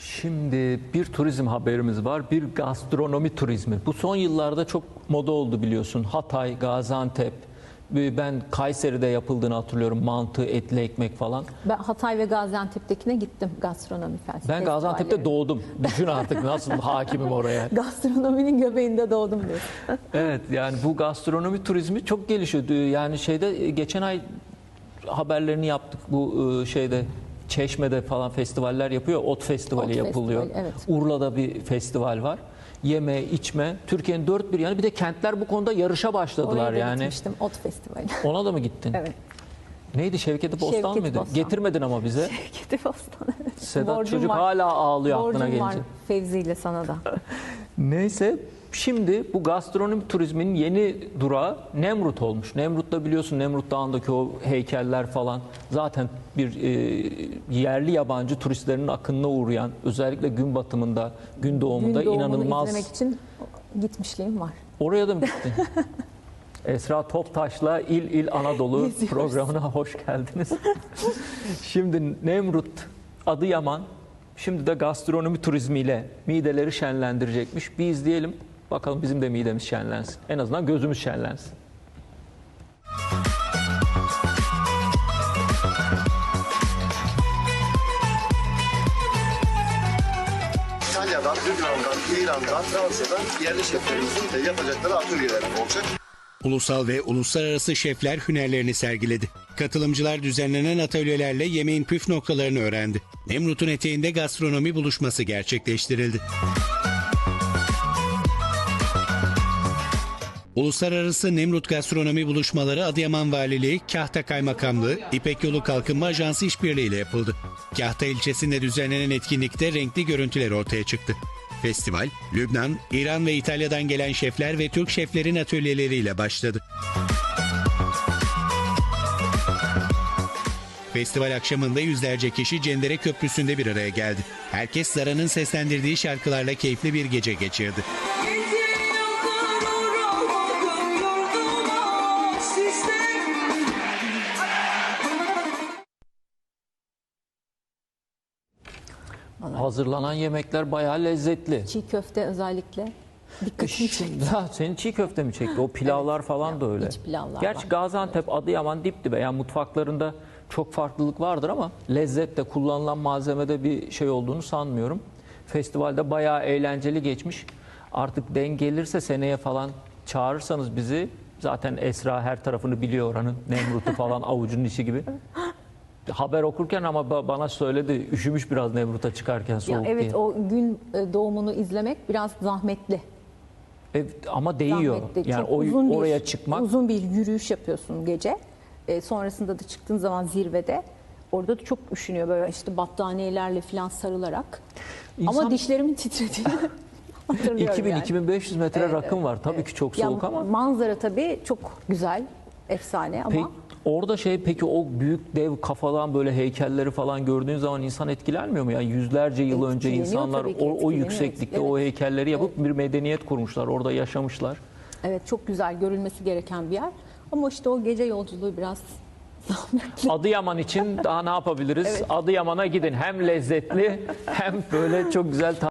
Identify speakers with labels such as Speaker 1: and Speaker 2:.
Speaker 1: Şimdi bir turizm haberimiz var, bir gastronomi turizmi. Bu son yıllarda çok moda oldu biliyorsun. Hatay, Gaziantep, ben Kayseri'de yapıldığını hatırlıyorum. Mantı, etli ekmek falan.
Speaker 2: Ben Hatay ve Gaziantep'tekine gittim gastronomi festivalleri.
Speaker 1: Ben Gaziantep'te doğdum. Düşün artık nasıl hakimim oraya.
Speaker 2: Gastronominin göbeğinde doğdum diyorsun.
Speaker 1: Evet, yani bu gastronomi turizmi çok gelişiyor. Yani geçen ay haberlerini yaptık. Bu şeyde Çeşme'de falan festivaller yapıyor. Ot Festivali
Speaker 2: Ot
Speaker 1: yapılıyor.
Speaker 2: Festivali, evet.
Speaker 1: Urla'da bir festival var. Yeme, içme. Türkiye'nin dört bir yanı. Bir de kentler bu konuda yarışa başladılar
Speaker 2: Oraya da
Speaker 1: yani.
Speaker 2: gitmiştim, Ot Festivali.
Speaker 1: Ona da mı gittin?
Speaker 2: Evet.
Speaker 1: Neydi? Şevketi Bostan
Speaker 2: Şevketi
Speaker 1: mıydı?
Speaker 2: Bostan.
Speaker 1: Getirmedin ama bize.
Speaker 2: Şevketi Bostan, evet.
Speaker 1: Sedat
Speaker 2: Borcum
Speaker 1: çocuk
Speaker 2: var.
Speaker 1: hala ağlıyor aklına
Speaker 2: Borcum var
Speaker 1: gelince.
Speaker 2: Fevzi ile sana da.
Speaker 1: Neyse, şimdi bu gastronomi turizminin yeni durağı Nemrut olmuş. Nemrut'ta biliyorsun, Nemrut Dağı'ndaki o heykeller falan zaten bir yerli yabancı turistlerin akınına uğrayan, özellikle gün batımında, gün doğumunda
Speaker 2: Gün doğumunu
Speaker 1: inanılmaz.
Speaker 2: izlemek için gitmişliğim var.
Speaker 1: Oraya da mı gittin? Esra Toptaş'la İl İl Anadolu
Speaker 2: Geziyoruz.
Speaker 1: programına hoş geldiniz. Şimdi Nemrut, Adıyaman, şimdi de gastronomi turizmiyle mideleri şenlendirecekmiş. Bir izleyelim, bakalım bizim de midemiz şenlensin. En azından gözümüz şenlensin.
Speaker 3: İtalya'dan, Lübnan'dan, İran'dan, Fransa'dan yerli şeflerimizin yapacakları atölyeler olacak.
Speaker 4: Ulusal ve uluslararası şefler hünerlerini sergiledi. Katılımcılar düzenlenen atölyelerle yemeğin püf noktalarını öğrendi. Nemrut'un eteğinde gastronomi buluşması gerçekleştirildi. Uluslararası Nemrut Gastronomi Buluşmaları Adıyaman Valiliği, Kahta Kaymakamlığı, İpek Yolu Kalkınma Ajansı işbirliğiyle yapıldı. Kahta ilçesinde düzenlenen etkinlikte renkli görüntüler ortaya çıktı. Festival, Lübnan, İran ve İtalya'dan gelen şefler ve Türk şeflerin atölyeleriyle başladı. Festival akşamında yüzlerce kişi Cendere Köprüsü'nde bir araya geldi. Herkes Zara'nın seslendirdiği şarkılarla keyifli bir gece geçirdi.
Speaker 1: Hazırlanan yemekler bayağı lezzetli.
Speaker 2: Çiğ köfte özellikle dikkatimi çekti.
Speaker 1: Senin çiğ köfte mi çekti? O pilavlar
Speaker 2: Evet,
Speaker 1: falan da öyle.
Speaker 2: iç pilavlar
Speaker 1: Gerçi
Speaker 2: var.
Speaker 1: Gaziantep, Adıyaman dip dibe. Yani mutfaklarında çok farklılık vardır ama lezzette, kullanılan malzemede bir şey olduğunu sanmıyorum. Festivalde bayağı eğlenceli geçmiş. Artık denk gelirse seneye falan çağırırsanız bizi, zaten Esra her tarafını biliyor oranın. Nemrut'u falan avucunun içi gibi. Haber okurken ama bana söyledi, üşümüş biraz Nemrut'a çıkarken
Speaker 2: Ya
Speaker 1: soğuk
Speaker 2: evet,
Speaker 1: diye.
Speaker 2: o gün doğumunu izlemek biraz zahmetli.
Speaker 1: Evet, ama değiyor.
Speaker 2: Zahmetli.
Speaker 1: Yani
Speaker 2: Çok uzun
Speaker 1: oraya çıkmak.
Speaker 2: Uzun bir yürüyüş yapıyorsun gece. Sonrasında da çıktığın zaman zirvede orada da çok üşünüyor, böyle işte battaniyelerle falan sarılarak.
Speaker 1: İnsan-
Speaker 2: Ama dişlerimin titrediğini hatırlıyorum yani.
Speaker 1: 2000-2500 metre
Speaker 2: Evet,
Speaker 1: rakım var. Tabii
Speaker 2: evet.
Speaker 1: ki çok
Speaker 2: Ya
Speaker 1: soğuk ama.
Speaker 2: manzara tabii çok güzel, efsane ama
Speaker 1: Peki, orada peki o büyük dev kafadan böyle heykelleri falan gördüğün zaman insan etkilenmiyor mu? Yani yüzlerce yıl önce
Speaker 2: Etkileniyor
Speaker 1: insanlar
Speaker 2: tabii ki,
Speaker 1: o
Speaker 2: etkileniyor.
Speaker 1: yükseklikte o
Speaker 2: Evet.
Speaker 1: heykelleri yapıp bir medeniyet kurmuşlar. Orada yaşamışlar.
Speaker 2: evet, çok güzel, görülmesi gereken bir yer. Ama işte o gece yolculuğu biraz zahmetli.
Speaker 1: Adıyaman için daha ne yapabiliriz?
Speaker 2: Evet.
Speaker 1: Adıyaman'a gidin. Hem lezzetli hem böyle çok güzel